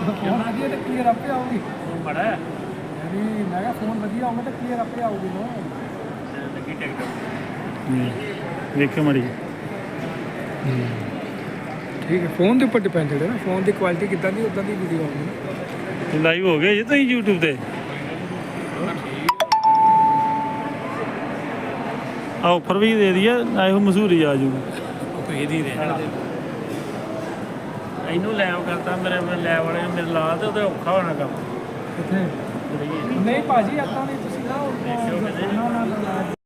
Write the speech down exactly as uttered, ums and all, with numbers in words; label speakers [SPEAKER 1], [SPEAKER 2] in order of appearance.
[SPEAKER 1] phone ਵਧੀਆ ਤੇ clear ਆਪੇ ਆਊਗੀ
[SPEAKER 2] ਬੜਾ
[SPEAKER 1] ਯਾਨੀ ਮੈਂ ਕਿਹਾ ਫੋਨ ਵਧੀਆ ਹੋਊਗਾ ਤਾਂ ਕਲੀਅਰ ਆਪੇ ਆਊਗੀ ਨਾ
[SPEAKER 2] ਲੱਗੀ ਟਿਕਟ
[SPEAKER 3] ਵੇਖਿਓ ਮੜੀ
[SPEAKER 1] ਠੀਕ ਹੈ ਫੋਨ ਦੇ ਉੱਪਰ ਡਿਪੈਂਡਡ ਹੈ ਨਾ ਫੋਨ ਦੀ ਕੁਆਲਿਟੀ ਕਿੱਦਾਂ ਦੀ ਉਦਾਂ ਦੀ ਵੀਡੀਓ ਆਊਗੀ
[SPEAKER 3] ਲਾਈਵ ਹੋ ਗਏ ਜੀ ਤੁਸੀਂ YouTube ਤੇ ਆਫਰ ਵੀ ਦੇ ਦਈਏ ਇਹੋ ਮਸ਼ਹੂਰੀ ਆ ਜੂਗੀ
[SPEAKER 2] ਕੋਈ ਦੀ ਦੇ ਇਹਨੂੰ ਲੈਵ ਕਰਤਾ ਮੇਰੇ ਲੈਵ ਵਾਲੇ ਮੇਰੇ ਲਾ ਤੇ ਉਹਦੇ ਔਖਾ ਹੋਣਾ ਕੰਮ
[SPEAKER 1] ਕਿੱਥੇ ਨਹੀਂ ਭਾਜੀ ਏਦਾਂ ਨਹੀਂ ਤੁਸੀਂ ਨਾ ਉਹ- ਨਾ ਨਾ ਨਾ